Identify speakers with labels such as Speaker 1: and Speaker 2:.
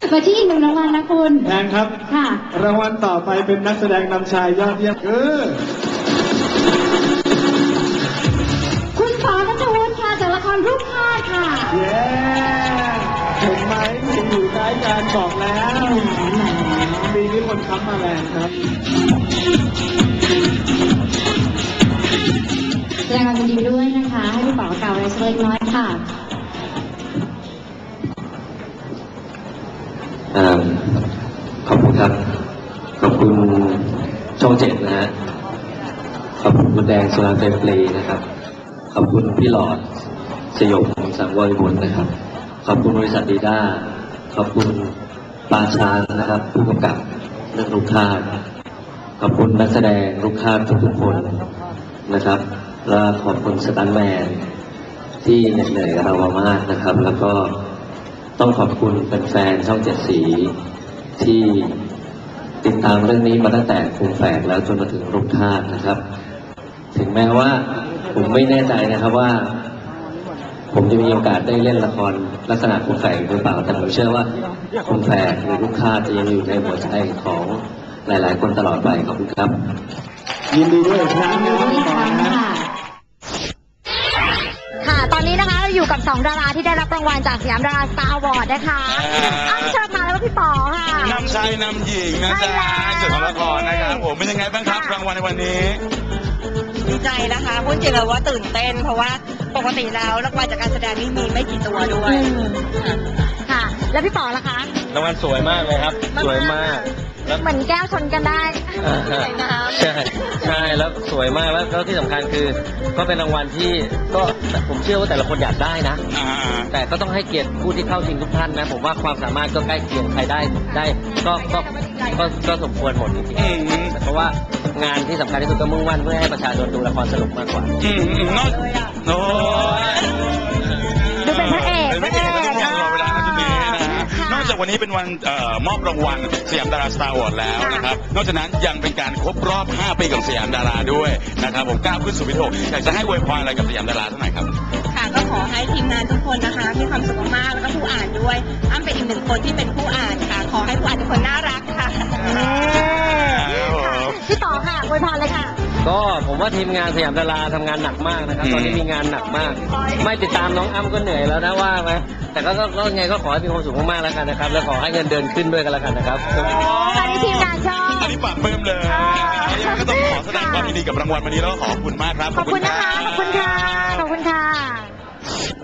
Speaker 1: มาที่อีกหนึ่งรางวัลนะคุณ
Speaker 2: แทนครับ
Speaker 1: ค่ะ
Speaker 2: รางวัลต่อไปเป็นนักแสดงนำชายยอดเยี่ยม
Speaker 1: คุณป๋อณัฐวุฒิค่ะจากละครรูปภาพค่ะ
Speaker 2: เย้เห็นไหมอยู่ใกล้กันบอกแล้วปีนี้คนค้ำมาแรงครับ
Speaker 1: แสดงความยินดีด้วยนะคะให้พี่ป๋อกล่าวอะไรสักเล็กน้อยค่ะ
Speaker 3: ขอบคุณครับขอบคุณช่อง7นะฮะขอบคุณคุณแดงสุรางเฟรมปรีนะครับขอบคุณพี่หลอดสยบสังวรบุญนะครับขอบคุณบริษัทดีด้าขอบคุณปาชานนะครับผู้กำกับเรื่องลูกค้าขอบคุณนักแสดงลูกค้าทุกๆคนนะครับและขอบคุณสตันท์แมนที่เหนื่อยกับเรามากนะครับแล้วก็ต้องขอบคุณแฟนๆช่อง7สีที่ติดตามเรื่องนี้มาตั้งแต่คุมแฝกแล้วจนมาถึงลูกค้านะครับถึงแม้ว่าผมไม่แน่ใจนะครับว่าผมจะมีโอกาสได้เล่นละครลักษณะคุมแฝกหรือเปล่าแต่ผมเชื่อว่าคุมแฝกหรือลูกค้าจะยังอยู่ในหัวใจของหลายๆคนตลอดไปขอบคุณครับ
Speaker 2: ยินดีด้วยครั้งนี้
Speaker 1: ค่ะตอนนี้นะคะเราอยู่กับ2ดาราที่ได้รับรางวัลจากสยามดาราสตาร์อวอร์ดนะคะอ้ำเชิญมาแล้วก็พี่ป๋อค่ะ
Speaker 4: นำชายนำหญิงนะจ๊ะส่วนของละครนะครับผมเป็นยังไงบ้างครับรางวัลในวันนี้
Speaker 5: ดีใจนะคะพูดจริงเลยว่าตื่นเต้นเพราะว่าปกติแล้วรางวัลจากการแสดงนี่มีไม่กี่ตัวด้วย
Speaker 1: ค่ะแล้วพี่ป๋อล่ะคะ
Speaker 3: รางวัลสวยมากเลยครับสวยมาก
Speaker 1: แล้วเหมือนแก้วชนกันได้
Speaker 3: ใช่แล้วสวยมากแล้วที่สำคัญคือก็เป็นรางวัลที่ก็ผมเชื่อว่าแต่ละคนอยากได้นะแต่ก็ต้องให้เกียรติผู้ที่เข้าชิงทุกท่านนะผมว่าความสามารถก็ใกล้เคียงใครได้ก็สมควรหมดจริงๆเพราะว่างานที่สำคัญที่สุดก็มุ่งมั่นเพื่อให้ประชาชนดูละครสนุกมากกว่า
Speaker 1: ดูเป็นพระเอก
Speaker 4: นอกจากวันนี้เป็นวันมอบรางวัลสยามดาราสตาร์อวอร์ดแล้วนะครับนอกจากนั้นยังเป็นการครบรอบ5 ปีของสยามดาราด้วยนะครับผมก้าวขึ้นสู่วิถีอยากจะให้อวยพรอะไรกับสยามดาราเท่าไหร่ครับ
Speaker 5: ค่ะก็ขอให้ทีมงานทุกคนนะคะมีความสุขมากแล้วก็ผู้อ่านด้วยอ้ำเป็นอีกหนึ่งคนที่เป็นผู้อ่านค่ะขอให้ผู้อ่านทุกคนน่ารักค่ะ
Speaker 1: พี่ป๋อค่ะอวยพรเลยค่ะ
Speaker 3: ก็ผมว่าทีมงานสยามดาราทำงานหนักมากนะครับตอนนี้มีงานหนักมากไม่ติดตามน้องอ้ำก็เหนื่อยแล้วนะว่าไหมแต่ก็ไงก็ขอให้มีความสุขมากๆแล้วกันนะครับแล้วขอให้เงินเดือนขึ้นด้วยกันแล้วกันนะครับ
Speaker 1: ตอนนี้ทีมงานชอบ
Speaker 4: อันนี้ปากเพิ่มเลยก็ต้องขอแสดงความยินดีกับรางวัลวันนี้แล้วก็ขอบคุณมากครับ
Speaker 1: ขอบคุณนะคะขอบคุณค่ะ